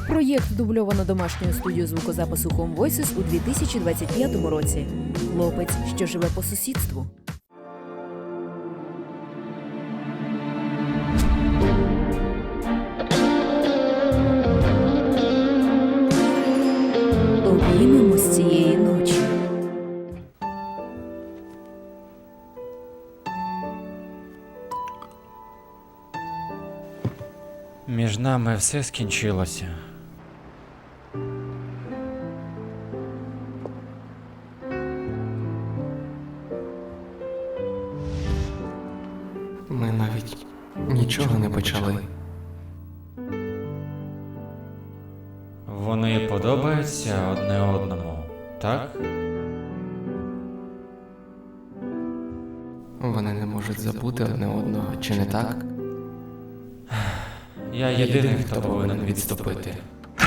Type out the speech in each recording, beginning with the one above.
Проєкт дубльовано домашньою студією звукозапису Home Voices у 2025 році. Хлопець, що живе по сусідству. Обіймемось цієї ночі. Між нами все скінчилося. Ми навіть нічого не почали. Вони подобаються одне одному, так? Вони не можуть забути одне одного, чи не так? Я єдиний, хто повинен відступити.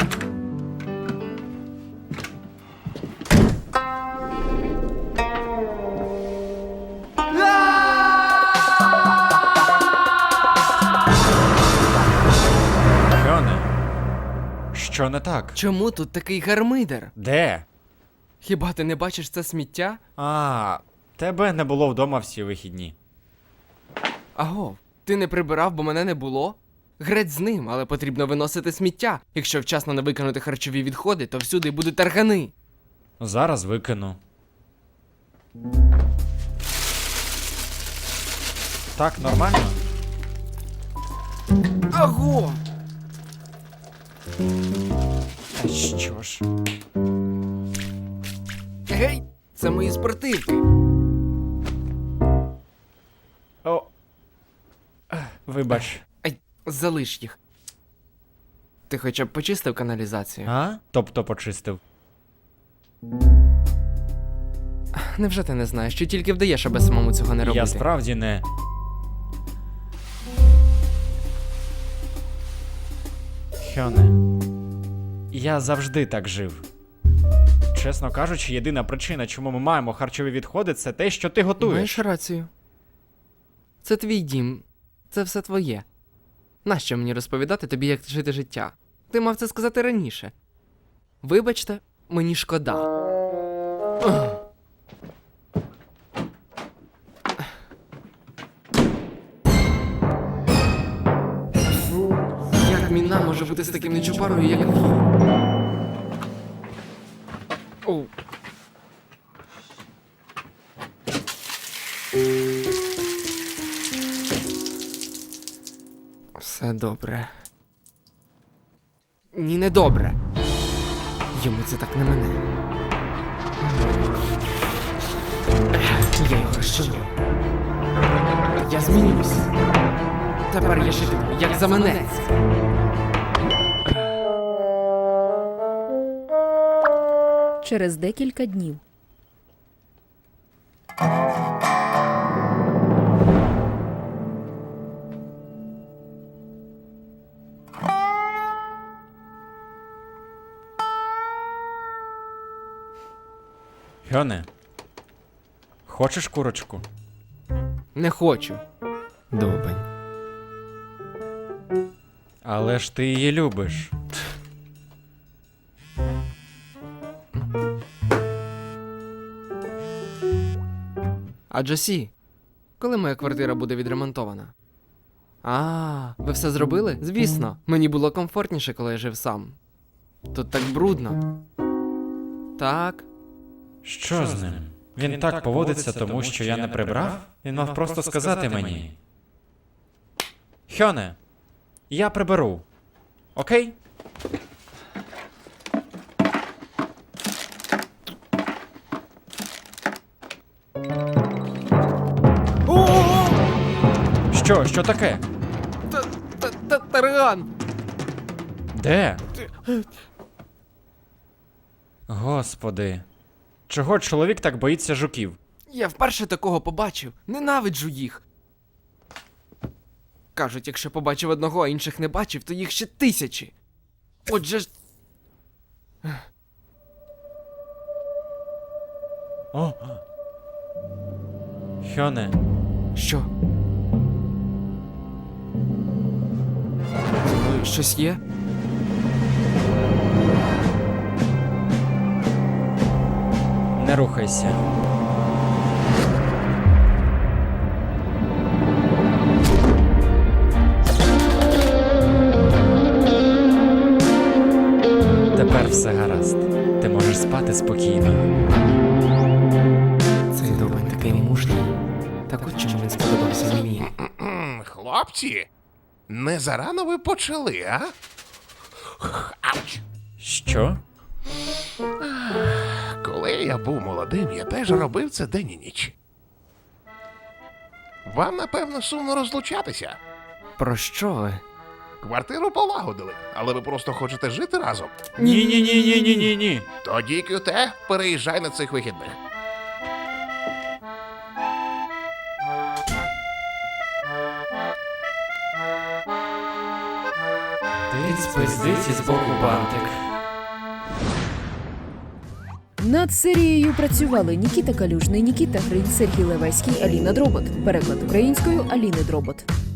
Хьоне, що не так? Чому тут такий гармидер? Де? Хіба ти не бачиш це сміття? Тебе не було вдома всі вихідні. Аго, ти не прибирав, бо мене не було? Греть з ним, але потрібно виносити сміття. Якщо вчасно не викинути харчові відходи, то всюди будуть таргани. Зараз викину. Так, нормально? Аго! Та що ж? Гей, це мої спортивки. О. Вибач. Ай, залиш їх. Ти хоча б почистив каналізацію? Тобто почистив. Невже ти не знаєш, що тільки вдаєш, аби самому цього не робити? Я справді не... Хьоне, я завжди так жив. Чесно кажучи, єдина причина, чому ми маємо харчові відходи, це те, що ти готуєш. Маєш рацію. Це твій дім. Це все твоє. Нащо мені розповідати тобі, як жити життя? Ти мав це сказати раніше. Вибачте, мені шкода. Як міна може бути з таким нечупарою, як він? Оу. Все добре. Ні, не добре. Йому це так не мене. Я його розчиню. Я змінюсь. Тепер я житиму, як заманець. Через декілька днів. Хьоне, хочеш курочку? Не хочу. Довбень. Але ж ти її любиш. А Джосі, коли моя квартира буде відремонтована? Ви все зробили? Звісно. Мені було комфортніше, коли я жив сам. Тут так брудно. Так. Що з ним? Він так поводиться, тому що я не прибрав? Він мав просто сказати мені. Хьоне, я приберу. Окей? Що таке? Тарган! Де? Господи. Чого чоловік так боїться жуків? Я вперше такого побачив. Ненавиджу їх. Кажуть, якщо побачив одного, а інших не бачив, то їх ще тисячі. Отже ж... О! Хьоне, Що? Зі мною щось є? рухайся. Тепер все гаразд. Ти можеш спати спокійно. Цей дурень такий мужній. Так от чому він сподобався мені. Хлопці, не зарано ви почали, а? Ауч! Що? Коли я був молодим, я теж робив це день і ніч. Вам, напевно, сумно розлучатися. Про що ви? Квартиру полагодили, але ви просто хочете жити разом. Ні. Тоді, Кюте, переїжджай на цих вихідних. Ти спиздить із боку бантик. Над серією працювали Нікіта Калюжний, Нікіта Гринь, Сергій Левеський, Аліна Дробот. Переклад українською Аліни Дробот.